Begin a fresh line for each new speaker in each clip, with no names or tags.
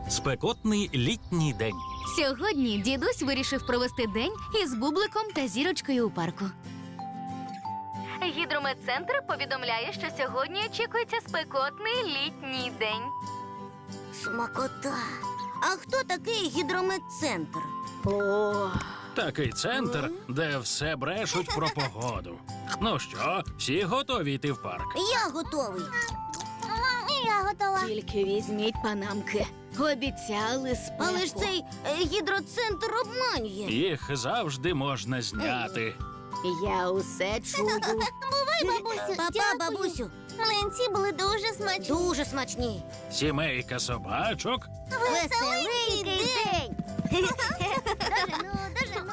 Спекотний літній день.
Сьогодні дідусь вирішив провести день із Бубликом та Зірочкою у парку. Гідрометцентр повідомляє, що сьогодні очікується спекотний літній день.
Смакота. А хто такий гідрометцентр?
Такий центр, де все брешуть про погоду. Ну що, всі готові йти в парк?
Я готовий. Я готова.
Тільки візьміть панамки. Обіцяли спеку.
Але ж цей гідроцентр обманює.
Їх завжди можна зняти.
Я усе чую.
Бувай, бабусю. Папа, бабусю. Млинці були дуже смачні. Дуже смачні.
Сімейка собачок
Веселенький день. Дожену, дожену.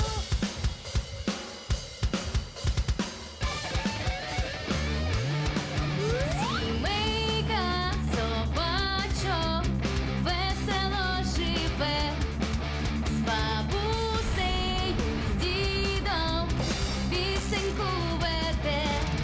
Сімейка собачок весело живе, з бабусею, з дідом пісеньку веде.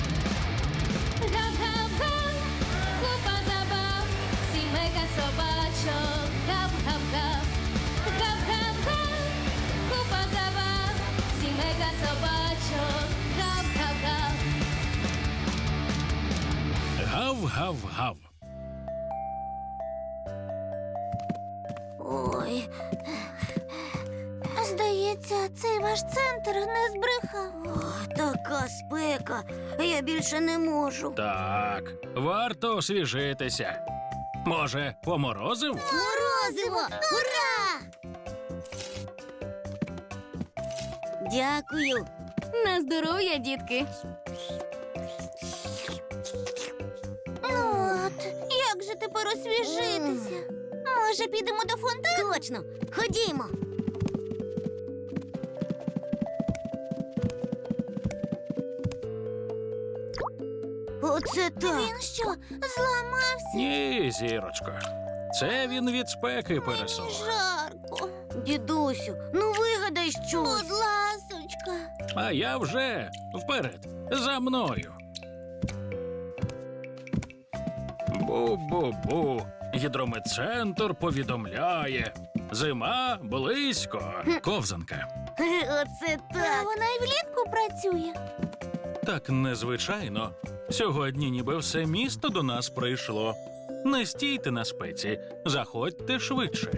Гав-гав-га, купа забав, сімейка собачок, гав-гав-гав. Гав-гав-га, купа забав, сімейка собачок, гав-гав-гав.
гав-гав-гав.
Ой. Здається, цей ваш центр не збрехав. О, така спека. Я більше не можу.
Так, варто освіжитися. Може, поморозив?
Морозиво! Ура! Дякую.
На здоров'я, дітки.
От, як же тепер освіжитися? Може, підемо до фонтану? Точно, ходімо. Оце так. Він що, зламався?
Ні, зірочко. Це він від спеки пересох.
Жарко. Дідусю, ну вигадай щось. Будь ласочка.
А я вже вперед, за мною. Бу-бу-бу. Гідрометцентр повідомляє. Зима близько. Ковзанка.
Оце так. Вона і влітку працює.
Так незвичайно. Сьогодні ніби все місто до нас прийшло. Не стійте на спеці, заходьте швидше.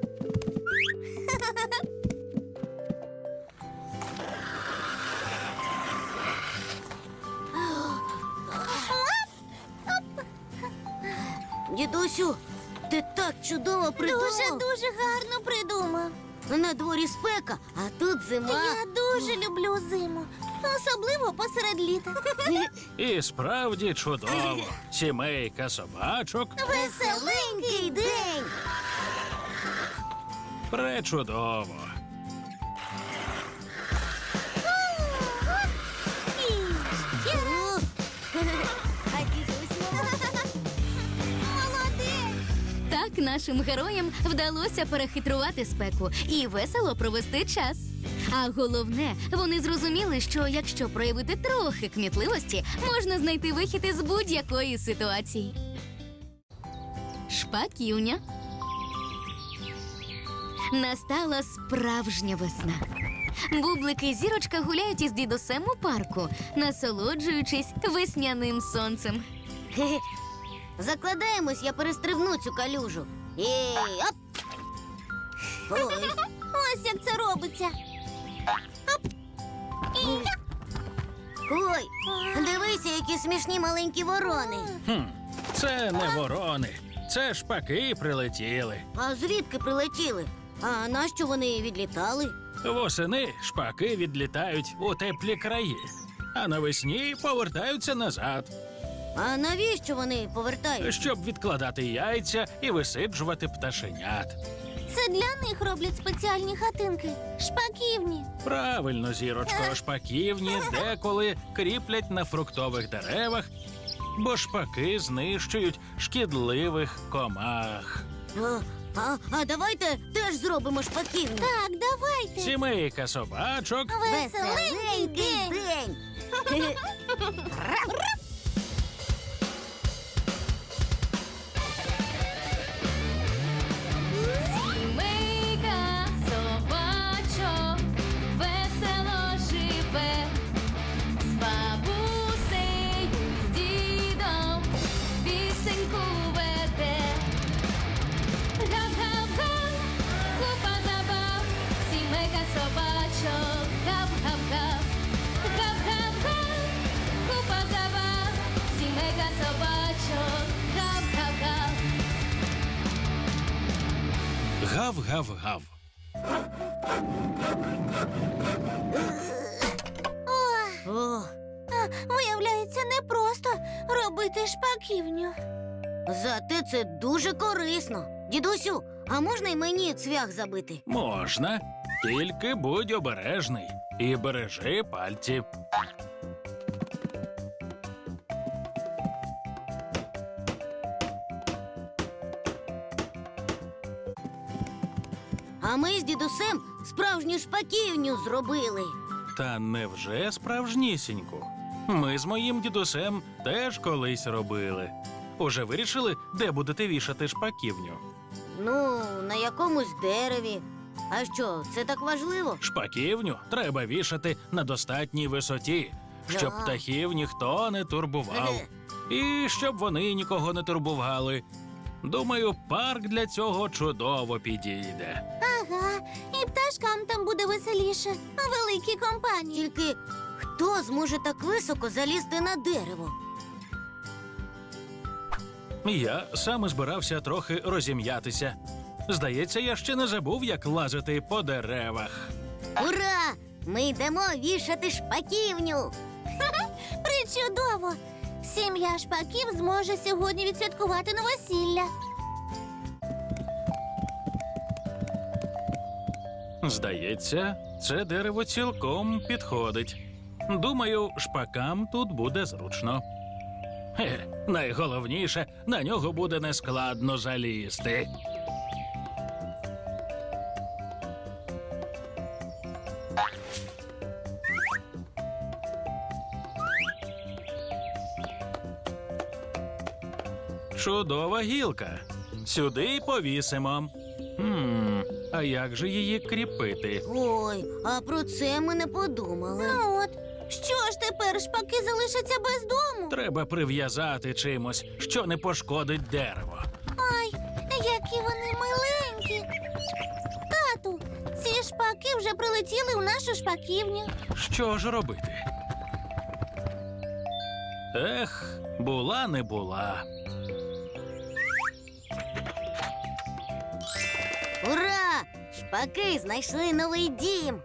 Дідусю, ти так чудово придумав. Дуже гарно придумав. На дворі спека, а тут зима. Я дуже люблю зиму, особливо посеред літа.
І справді чудово. Сімейка собачок
Веселенький день.
пречудово.
А дідусь молодець.
Так нашим героям вдалося перехитрувати спеку і весело провести час. А головне, вони зрозуміли, що якщо проявити трохи кмітливості, можна знайти вихід із будь-якої ситуації. Шпаківня. Настала справжня весна. Бублик і Зірочка гуляють із дідусем у парку, насолоджуючись весняним сонцем.
Хе-хе. Закладаємось, я перестрибну цю калюжу. Ей, оп! Ой. Ось як це робиться. Оп! Ой, дивися, які смішні маленькі ворони.
Це не ворони, це шпаки прилетіли.
А звідки прилетіли? А нащо вони відлітали?
Восени шпаки відлітають у теплі краї, а навесні повертаються назад,
А навіщо вони повертаються?
щоб відкладати яйця і висиджувати пташенят.
Це для них роблять спеціальні хатинки. Шпаківні.
Правильно, зірочко, шпаківні деколи кріплять на фруктових деревах, бо шпаки знищують шкідливих комах.
А давайте теж зробимо шпаківню. Так, давайте.
Сімейка собачок
Веселенький день.
Гав-гав-гав.
О,
Виявляється, непросто робити шпаківню.
зате це дуже корисно. Дідусю, а можна й мені цвях забити?
Можна, тільки будь обережний і бережи пальці.
А ми з дідусем справжню шпаківню зробили.
Та невже справжнісіньку? Ми з моїм дідусем теж колись робили. Уже вирішили, де будете вішати шпаківню?
Ну, на якомусь дереві. А що, це так важливо?
Шпаківню треба вішати на достатній висоті, щоб
Да.
птахів ніхто не турбував. І щоб вони нікого не турбували. Думаю, парк для цього чудово підійде.
Ага, і пташкам там буде веселіше. Великі компанії.
Тільки хто зможе так високо залізти на дерево?
Я саме збирався трохи розім'ятися. Здається, я ще не забув, як лазити по деревах.
Ура! Ми йдемо вішати шпаківню.
Причудово! Сім'я шпаків зможе сьогодні відсвяткувати новосілля.
Здається, це дерево цілком підходить. Думаю, шпакам тут буде зручно. Найголовніше, на нього буде нескладно залізти. Чудова гілка. Сюди й повісимо. А як же її кріпити?
Ой, а про це ми не подумали.
Ну от, що ж тепер шпаки залишаться без дому?
Треба прив'язати чимось, що не пошкодить дерево.
Ай, які вони миленькі. Тату, ці шпаки вже прилетіли у нашу шпаківню.
Що ж робити? Ех, була не була.
Ура! Шпаки знайшли новий дім.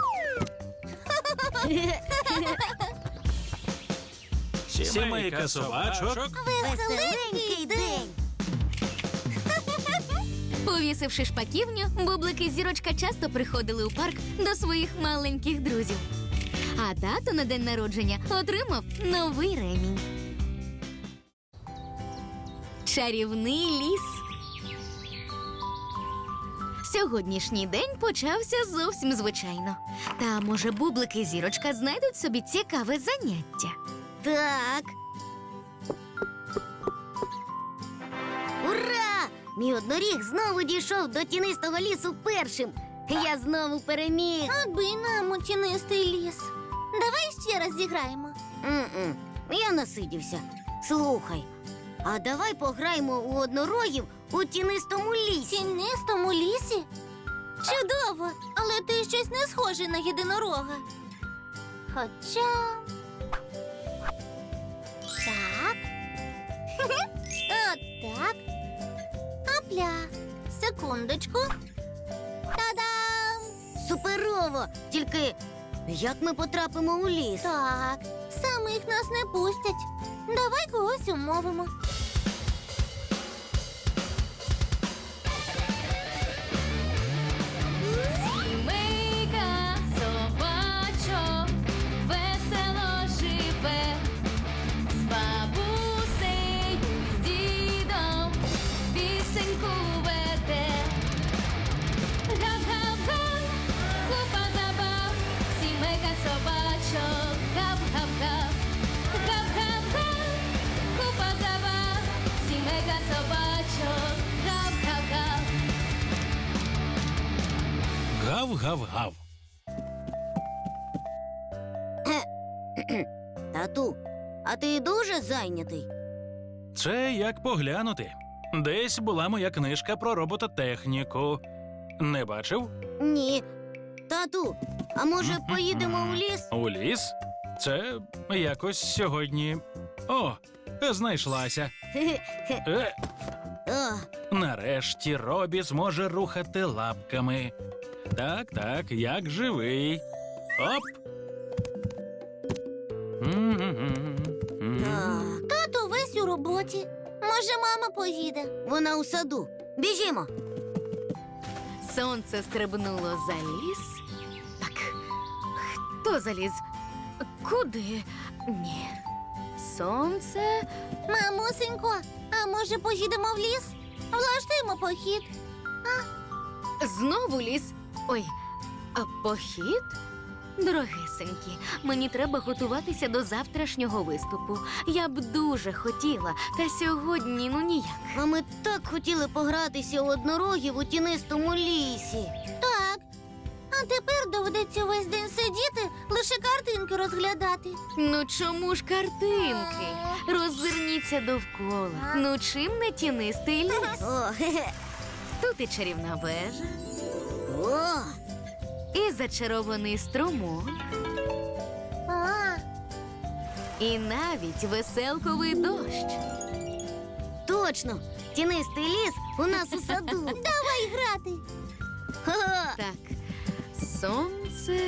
Сімейка собачок.
Веселенький день.
Повісивши шпаківню, Бублик і Зірочка часто приходили у парк до своїх маленьких друзів. А тато на день народження отримав новий ремінь. Чарівний ліс. Сьогоднішній день почався зовсім звичайно. Та, може, Бублик і Зірочка знайдуть собі цікаве заняття.
Так. Ура! Мій одноріг знову дійшов до тінистого лісу першим. Я знову переміг.
Аби нам у тінистий ліс. Давай ще раз зіграємо.
М-м, я насидівся. Слухай, а давай пограємо у однорогів у тінистому
В
лісі.
тінистому лісі? Чудово, але ти щось не схожий на єдинорога. Хоча. Так. Отак. Апля. Секундочку. Та-дам!
Суперово! Тільки як ми потрапимо у ліс?
Так, самих нас не пустять. Давай когось умовимо.
Сімейка собачок весело живе, з бабусею, з дідом пісеньку веде. Гав-гав-га, купа забав, сімейка собачок, гав-гав-гав. Гав-гав-га, купа забав, сімейка собачок, гав-гав-гав.
Гав-гав-гав.
Тату, а ти дуже зайнятий?
Це як поглянути. Десь була моя книжка про робототехніку. Не бачив?
Ні. Тату, а може поїдемо у ліс?
У ліс? Це якось сьогодні. О, знайшлася. Нарешті Робі зможе рухати лапками. Так, як живий. Оп.
Так,
Тато весь у роботі. Може, мама поїде.
вона у саду. Біжімо.
Сонце стрибнуло за ліс. Так, хто заліз? Куди? Ні. Сонце.
Мамусенько, а може поїдемо в ліс? Влаштуємо похід.
Знову ліс. Ой, а похід? Дорогесенькі, мені треба готуватися до завтрашнього виступу. Я б дуже хотіла, та сьогодні ніяк.
А ми так хотіли погратися у однорогів у тінистому лісі.
Так. А тепер доведеться весь день сидіти, лише картинки розглядати.
Ну чому ж картинки? Роззирніться довкола. Ну чим не тінистий ліс?
О, хе-хе.
Тут і чарівна вежа,
О,
і зачарований струмок,
А,
і навіть веселковий дощ.
точно. Тінистий ліс у нас у саду.
давай грати.
Ха-ха.
Так, сонце.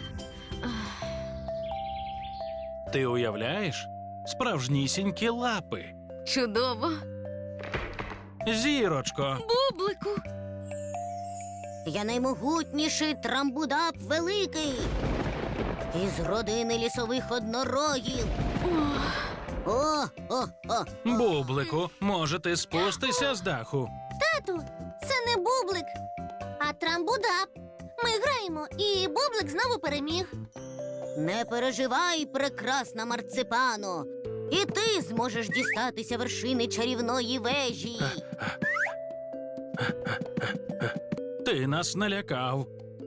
Ти уявляєш? Справжнісінькі лапи.
Чудово.
Зірочко.
Бублику.
Я наймогутніший трамбудап великий. Із родини лісових однорогів. О.
Бублику, може ти спустися з даху?
Тату, це не бублик, а трамбудап. Ми граємо, і бублик знову переміг.
Не переживай, прекрасна марципано. І ти зможеш дістатися вершини чарівної вежі.
Ти нас налякав.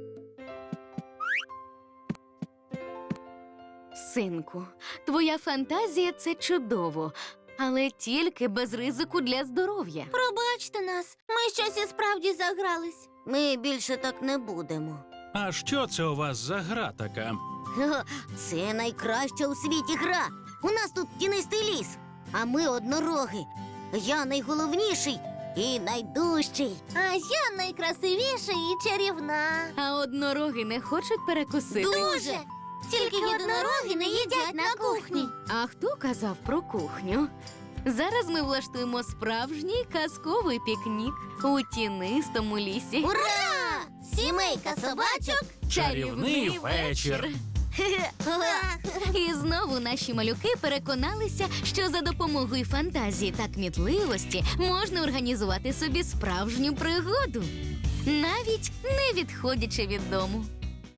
Синку, твоя фантазія це чудово, але тільки без ризику для здоров'я.
Пробачте нас, ми щось і справді загрались.
Ми більше так не будемо.
А що це у вас за гра така?
Ха-ха, це найкраща у світі гра. У нас тут тінистий ліс, а ми однороги. Я найголовніший і найдужчий.
А я найкрасивіша і чарівна.
А однороги не хочуть перекусити.
Дуже. Тільки єдинороги не їдять на кухні.
А хто казав про кухню? Зараз ми влаштуємо справжній казковий пікнік у тінистому лісі.
Ура! Сімейка собачок.
Чарівний вечір.
І знову наші малюки переконалися, що за допомогою фантазії та кмітливості можна організувати собі справжню пригоду, навіть не відходячи від дому.